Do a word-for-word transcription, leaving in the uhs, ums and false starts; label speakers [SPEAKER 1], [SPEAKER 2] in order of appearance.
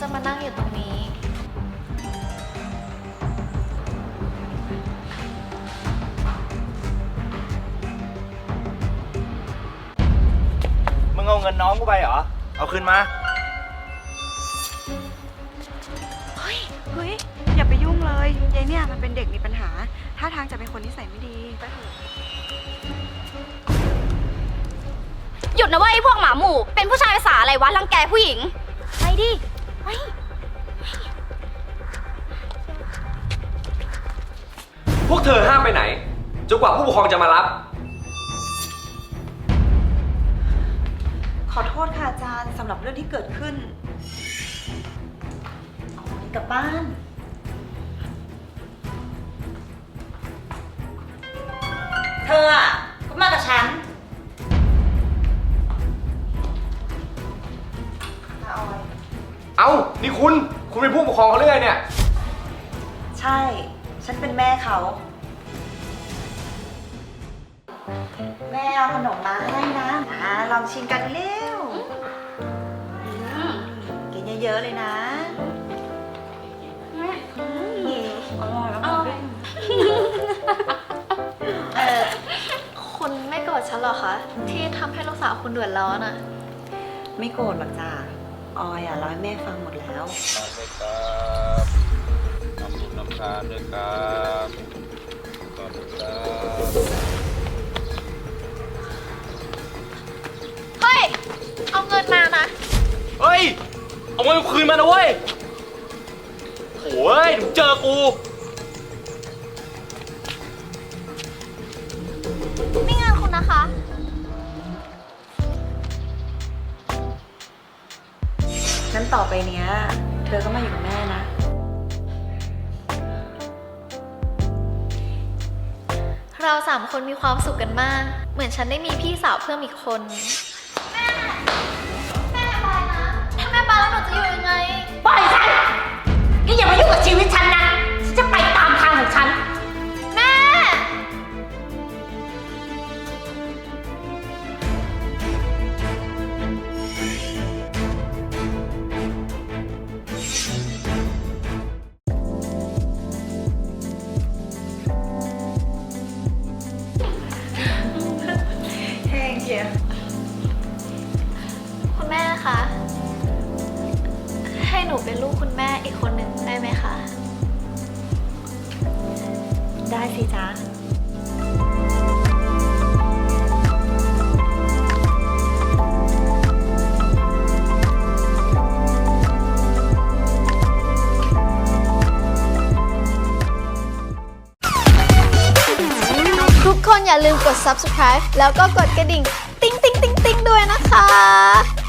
[SPEAKER 1] จะมานั่งอยู่ตรงนี้
[SPEAKER 2] มึงเอาเงินน้องกูไปเหรอเอาคืนมา
[SPEAKER 3] เฮ้ยเฮ้ยอย่าไปยุ่งเลยยายเนี่ยมันเป็นเด็กมีปัญหาท่าทางจะเป็นคนนิสัยไม่ดีไปเถอะ
[SPEAKER 4] หยุดนะเว้ยไอ้พวกหมาหมู่เป็นผู้ชายภาษาอะไรวะรังแกผู้หญิงไปดิไป
[SPEAKER 5] พวกเธอห้ามไปไหนจนกว่าผู้ปกครองจะมารับ
[SPEAKER 3] ขอโทษค่ะอาจารย์สำหรับเรื่องที่เกิดขึ้นอ๋อกลับบ้านเธออ่ะก็มากับฉันมาออย
[SPEAKER 5] เอ้านี่คุณคุณเป็นผู้ปกครองเขาหรือไงเนี่ย
[SPEAKER 3] ใช่ฉันเป็นแม่เขาแม่เอาขนมมาให้นะอ่าลองชิมกันเร็วกินเยอะๆเลยนะอร่อยแล้วเออ
[SPEAKER 1] คุณไม่โกรธฉันหรอคะที่ทำให้ลูกสาวคุณเดือดร้อนอะ
[SPEAKER 3] ไม่โกรธหรอกจ้าออยอ่ะร้อยแม่ฟังหมดแล้ว
[SPEAKER 6] ด้วยครับทำบุญนำทานด้วยครับขอบคุณครับ
[SPEAKER 1] เฮ้ยเอาเงินมานะ
[SPEAKER 2] เฮ้ยเอาเงินคืนมานะเว้ยโถ่เอ้ยเดี๋ยวเจอกู
[SPEAKER 1] นี่เงินคุณนะคะ
[SPEAKER 3] งั้นต่อไปเนี้ย เธอก็มาอยู่กับแม่นะ
[SPEAKER 1] เราสามคนมีความสุขกันมาก เหมือนฉันได้มีพี่สาวเพิ่มอีกคน แม่ แม่ไปนะ ถ้าแม่ไปแล้วหนูจะอยู่ยังไง
[SPEAKER 4] ปล่อยฉันนี่อย่ามายุ่งกับชีวิตฉันนะฉันจะไปตามทางของฉัน
[SPEAKER 1] แม่
[SPEAKER 3] แห้งเชียว
[SPEAKER 1] คุณแม่คะ ให้หนูเป็นลูกคุณแม่อีกคนหนึ่งได้ไหมคะ
[SPEAKER 3] ได้สิจ๊ะ
[SPEAKER 1] ทุกคนอย่าลืมกด ซับสไครบ์ แล้วก็กดกระดิ่ง ติ๊งติ๊งติ๊งติ๊งด้วยนะคะ